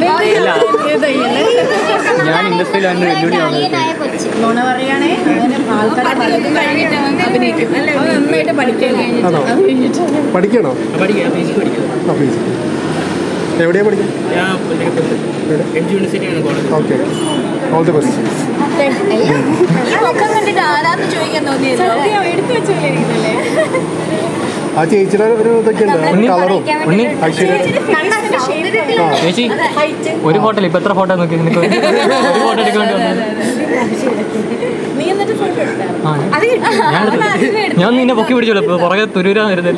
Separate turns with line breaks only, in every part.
ഞാൻ ഇൻഡസ്ട്രിയിലാണ്
നുണ പറയുകയാണെ ആൾക്കാരെ അഭിനയിക്കും നന്നായിട്ട്
പഠിക്കണോ? എവിടെയാ പഠിക്കുക? Okay, all the best. ആ ചേച്ചിയുടെ ഒരു ഇതൊക്കെ ഉണ്ട്, കളറും
ചേച്ചി ഒരു ഫോട്ടോ ഇപ്പൊ എത്ര ഫോട്ടോ നോക്കി ഒരു ഫോട്ടോ എടുക്കാൻ ഞാൻ നിന്നെ പൊക്കി പിടിച്ചോളൂ. ഇപ്പൊ പുറകെ തുരൂരാൻ വരുന്നില്ല.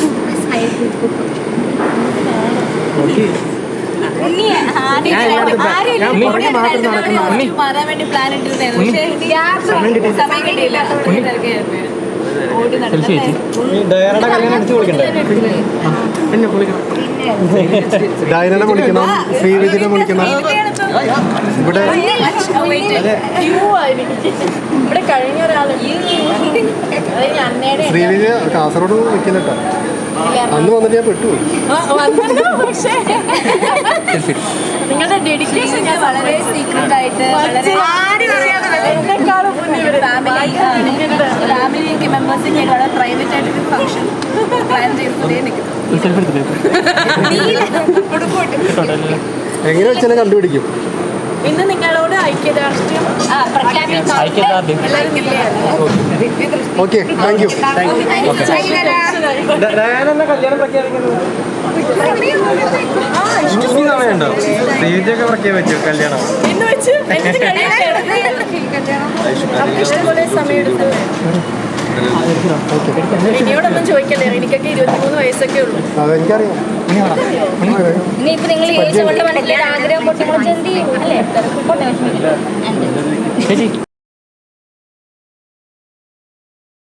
ഡയനനെ വിളിക്കണം, ശ്രീവിധിനെ വിളിക്കണം. ഇവിടെ
കഴിഞ്ഞ ഒരാള്
ശ്രീവിധി കാസർഗോഡ് നിൽക്കുന്നുട്ടോ. അന്ന് വന്നിട്ട് ഞാൻ പെട്ടുപോയി.
നിങ്ങളുടെ ഡെഡിക്കേഷൻ വളരെ സീക്രട്ട് ആയിട്ട് ഫാമിലി മെമ്പേഴ്സിന് വളരെ പ്രൈവറ്റ് ആയിട്ടൊരു ഫംഗ്ഷൻ പ്ലാൻ ചെയ്തേ
എങ്ങനെ വെച്ചാലും കണ്ടുപിടിക്കും.
ഇന്ന് നിങ്ങളോട് ഐക്യദാർഢ്യം
ഓക്കെ, താങ്ക് യു.
സമയമുണ്ടോ? സ്റ്റേജൊക്കെ പ്രഖ്യാപിച്ചു കല്യാണം
ഇഷ്ടംപോലെ സമയം എടുത്തു. എന്നോടൊന്നും ചോദിക്കല്ലേ, എനിക്കൊക്കെ 23 വയസ്സൊക്കെ ഉള്ളൂ.
അതെനിക്കറിയാം.
ഇനിയിപ്പോ നിങ്ങൾ ഈ മനസ്സിലൊരു ആഗ്രഹം പൊട്ടി മുളച്ചെന്ത് ചെയ്യും അല്ലേ?